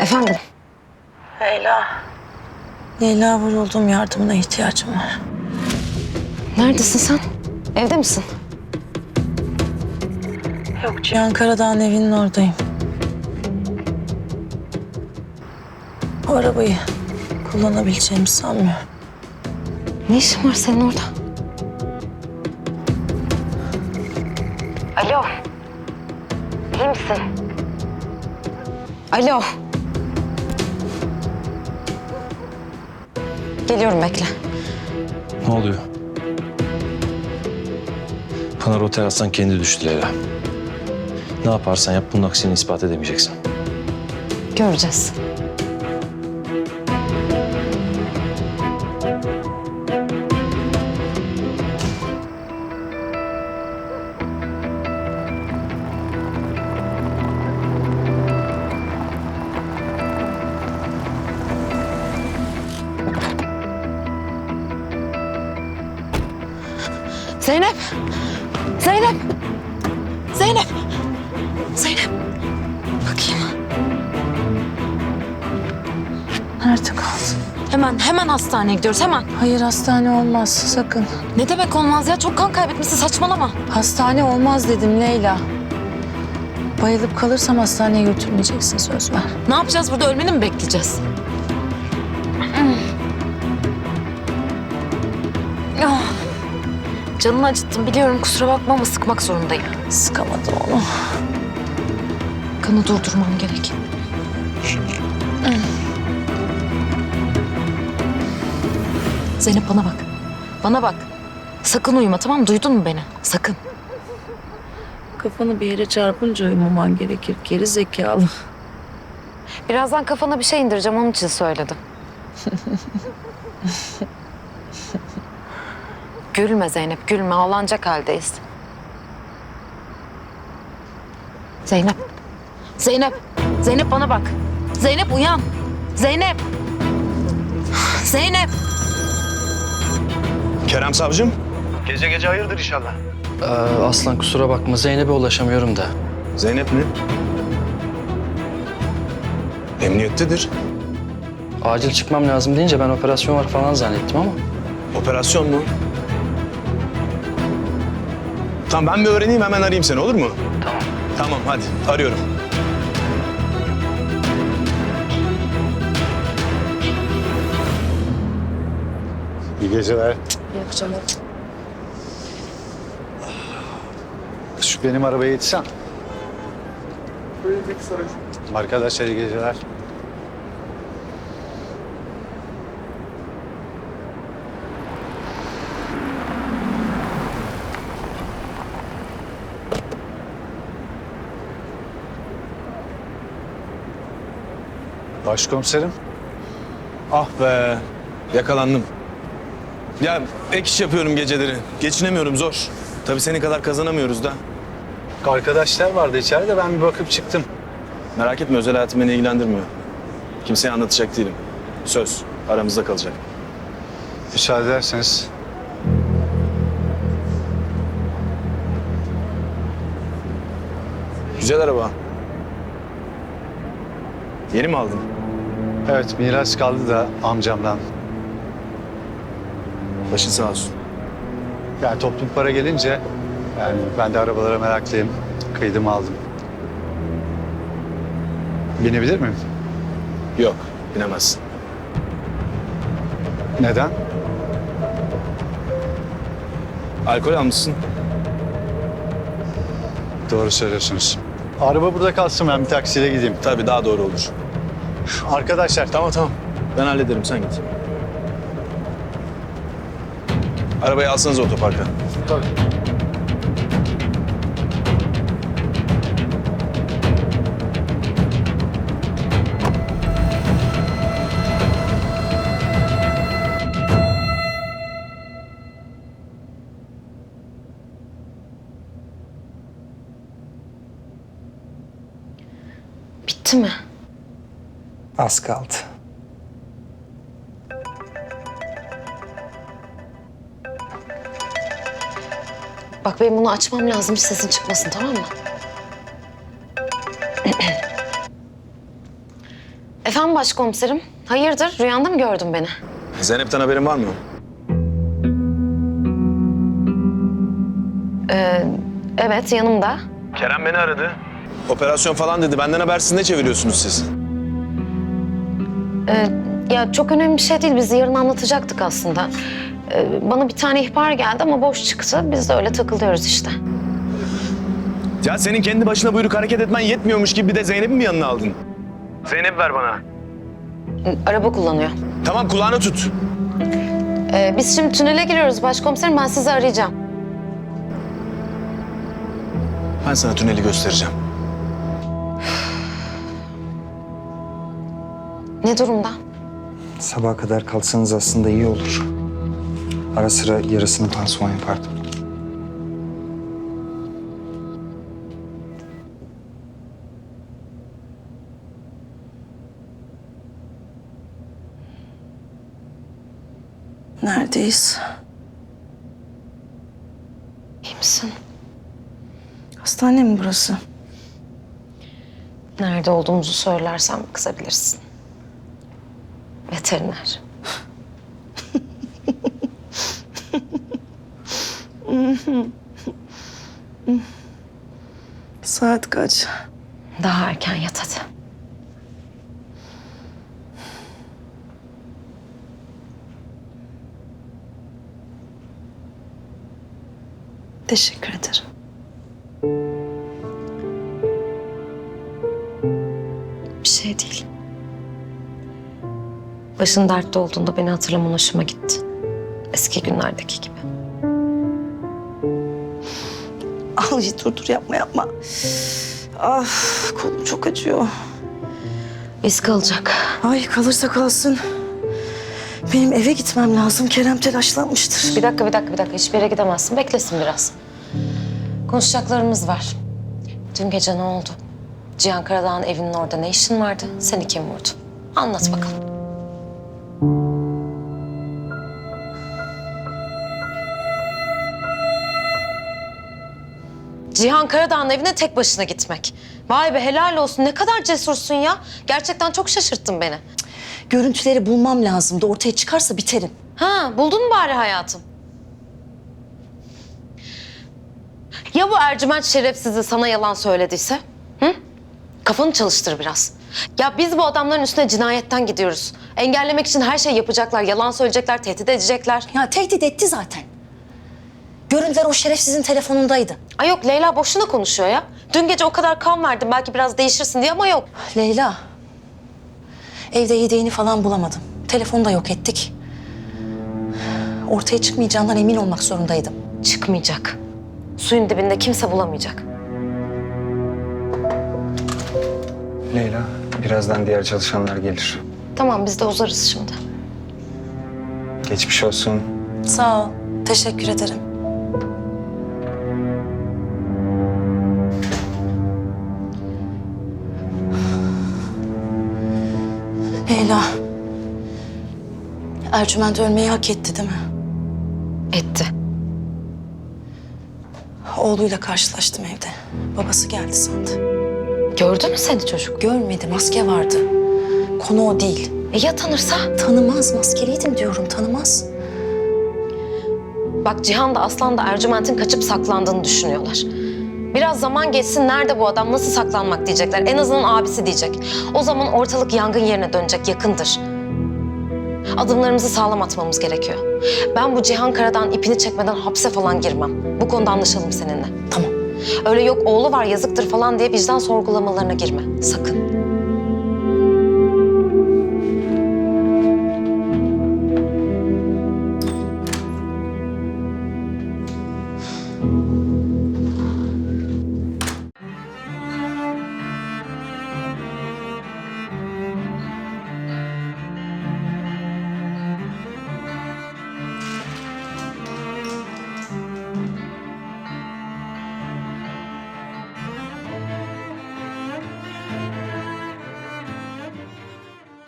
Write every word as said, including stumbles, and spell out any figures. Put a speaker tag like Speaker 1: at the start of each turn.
Speaker 1: Efendim?
Speaker 2: Leyla. Leyla vuruldum, yardımına ihtiyacım var.
Speaker 1: Neredesin sen? Evde misin?
Speaker 2: Yok, Cihan Karadağ'ın evinin oradayım. Bu arabayı kullanabileceğimi sanmıyorum.
Speaker 1: Ne işin var senin orada? Alo. İyi misin? Alo. Geliyorum, bekle.
Speaker 3: Ne oluyor? Pınar o terastan kendi düştü Leyla. Ne yaparsan yap bunun aksini ispat edemeyeceksin.
Speaker 1: Göreceğiz. Zeynep! Zeynep! Zeynep! Zeynep! Bakayım.
Speaker 2: Nerede kaldın?
Speaker 1: Hemen, hemen hastaneye gidiyoruz, hemen.
Speaker 2: Hayır, hastane olmaz, sakın.
Speaker 1: Ne demek olmaz ya? Çok kan kaybetmişsin, saçmalama.
Speaker 2: Hastane olmaz dedim Leyla. Bayılıp kalırsam hastaneye götürmeyeceksin, söz ver.
Speaker 1: Ne yapacağız burada? Ölmeni mi bekleyeceğiz? Ah. Canını acıttım biliyorum, kusura bakma ama sıkmak zorundayım.
Speaker 2: Sıkamadım onu.
Speaker 1: Kanı durdurmam gerek. Zeynep bana bak. Bana bak. Sakın uyuma, tamam mı? Duydun mu beni? Sakın.
Speaker 2: Kafanı bir yere çarpınca uyumaman gerekir, geri zekalı.
Speaker 1: Birazdan kafana bir şey indireceğim, onun için söyledim. Gülme Zeynep, gülme. Ağlanacak haldeyiz. Zeynep. Zeynep. Zeynep bana bak. Zeynep uyan. Zeynep. Zeynep.
Speaker 4: Kerem savcım. Gece gece hayırdır inşallah.
Speaker 5: Ee, Aslan kusura bakma, Zeynep'e ulaşamıyorum da.
Speaker 4: Zeynep mi? Emniyettedir.
Speaker 5: Acil çıkmam lazım deyince ben operasyon var falan zannettim ama.
Speaker 4: Operasyon mu? Tamam, ben bir öğreneyim, hemen arayayım seni, olur mu? Tamam. Tamam, hadi arıyorum.
Speaker 6: İyi geceler.
Speaker 2: İyi akşamlar.
Speaker 6: Şu benim arabaya yetişsen. Arkadaşlar iyi geceler. Başkomiserim.
Speaker 4: Ah be, yakalandım. Ya ek iş yapıyorum geceleri. Geçinemiyorum, zor. Tabii senin kadar kazanamıyoruz da.
Speaker 6: Arkadaşlar vardı içeride, ben bir bakıp çıktım.
Speaker 4: Merak etme, özel hayatım beni ilgilendirmiyor. Kimseye anlatacak değilim. Söz, aramızda kalacak.
Speaker 6: Müsaade ederseniz.
Speaker 4: Güzel araba. Yeni mi aldın?
Speaker 6: Evet, miras kaldı da amcamdan.
Speaker 4: Başın sağ olsun.
Speaker 6: Yani toplum para gelince, yani ben de arabalara meraklıyım. Kıydım aldım. Binebilir miyim?
Speaker 4: Yok, binemezsin.
Speaker 6: Neden?
Speaker 4: Alkol almışsın.
Speaker 6: Doğru söylüyorsunuz. Araba burada kalsın, ben bir taksiyle gideyim.
Speaker 4: Tabii daha doğru olur.
Speaker 6: Arkadaşlar,
Speaker 4: Tamam tamam. Ben hallederim, sen git. Arabayı alsanız otoparka.
Speaker 6: tabii.
Speaker 1: Bitti mi?
Speaker 7: Az kaldı.
Speaker 1: Bak benim bunu açmam lazım, hiç sesin çıkmasın, tamam mı? Efendim başkomiserim. Hayırdır? Rüyanda mı gördün beni?
Speaker 4: Zeynep'ten haberin var mı?
Speaker 1: Ee, evet yanımda.
Speaker 4: Kerem beni aradı. Operasyon falan dedi. Benden habersiz ne çeviriyorsunuz siz?
Speaker 1: Ee, ya çok önemli bir şey değil. Biz yarın anlatacaktık aslında. Ee, bana bir tane ihbar geldi ama boş çıktı. Biz de öyle takılıyoruz işte.
Speaker 4: Ya senin kendi başına buyruk hareket etmen yetmiyormuş gibi bir de Zeynep'i mi yanına aldın? Zeynep ver bana.
Speaker 1: Ee, Araba kullanıyor.
Speaker 4: Tamam kulağını tut.
Speaker 1: Ee, biz şimdi tünele giriyoruz başkomiserim. Ben sizi arayacağım.
Speaker 4: Ben sana tüneli göstereceğim.
Speaker 1: Ne durumda?
Speaker 7: Sabaha kadar kalsanız aslında iyi olur. Ara sıra yarısını pansuman yapardım.
Speaker 2: Neredeyiz?
Speaker 1: İyi misin?
Speaker 2: Hastane mi burası?
Speaker 1: Nerede olduğumuzu söylersem kızabilirsin. Veteriner.
Speaker 2: Saat kaç?
Speaker 1: Daha erken yat hadi.
Speaker 2: Teşekkür ederim.
Speaker 1: Bir şey değil. Başın dertte olduğunda beni hatırlaman hoşuma gitti. Eski günlerdeki gibi.
Speaker 2: Al iyi dur dur yapma yapma. Ah kolum çok acıyor.
Speaker 1: İz kalacak.
Speaker 2: Ay kalırsa kalsın. Benim eve gitmem lazım. Kerem telaşlanmıştır.
Speaker 1: Bir dakika, bir dakika, bir dakika. Hiçbir yere gidemezsin. Beklesin biraz. Konuşacaklarımız var. Dün gece ne oldu? Cihan Karadağ'ın evinin orada ne işin vardı? Seni kim vurdu? Anlat bakalım. Cihan Karadağ'ın evine tek başına gitmek. Vay be helal olsun. Ne kadar cesursun ya. Gerçekten çok şaşırttın beni.
Speaker 2: Görüntüleri bulmam lazımdı. Ortaya çıkarsa biterim.
Speaker 1: Ha, buldun mu bari hayatım? Ya bu Ercüment şerefsizi sana yalan söylediyse? Hı? Kafanı çalıştır biraz. Ya biz bu adamların üstüne cinayetten gidiyoruz. Engellemek için her şey yapacaklar. Yalan söyleyecekler, tehdit edecekler.
Speaker 2: Ya tehdit etti zaten. Görüntüler o şerefsizin telefonundaydı.
Speaker 1: Ay yok Leyla boşuna konuşuyor ya. Dün gece o kadar kan verdim belki biraz değişirsin diye ama yok.
Speaker 2: Leyla. Evde yedeğini falan bulamadım. Telefonu da yok ettik. Ortaya çıkmayacağından emin olmak zorundaydım.
Speaker 1: Çıkmayacak. Suyun dibinde kimse bulamayacak.
Speaker 7: Leyla, birazdan diğer çalışanlar gelir.
Speaker 1: Tamam biz de uzarız şimdi.
Speaker 7: Geçmiş olsun.
Speaker 2: Sağ ol. Teşekkür ederim. Leyla. Ercüment ölmeyi hak etti değil mi?
Speaker 1: Etti.
Speaker 2: Oğluyla karşılaştım evde. Babası geldi sandı.
Speaker 1: Gördü mü seni çocuk?
Speaker 2: Görmedi, maske vardı. Konu o değil.
Speaker 1: E ya tanırsa?
Speaker 2: Tanımaz, maskeliydim diyorum, tanımaz.
Speaker 1: Bak Cihan da Aslan da Ercüment'in kaçıp saklandığını düşünüyorlar. Biraz zaman geçsin nerede bu adam nasıl saklanmak diyecekler. En azından abisi diyecek. O zaman ortalık yangın yerine dönecek yakındır. Adımlarımızı sağlam atmamız gerekiyor. Ben bu Cihan Karadağ'ın ipini çekmeden hapse falan girmem. Bu konuda anlaşalım seninle.
Speaker 2: Tamam.
Speaker 1: Öyle yok oğlu var yazıktır falan diye vicdan sorgulamalarına girme. Sakın.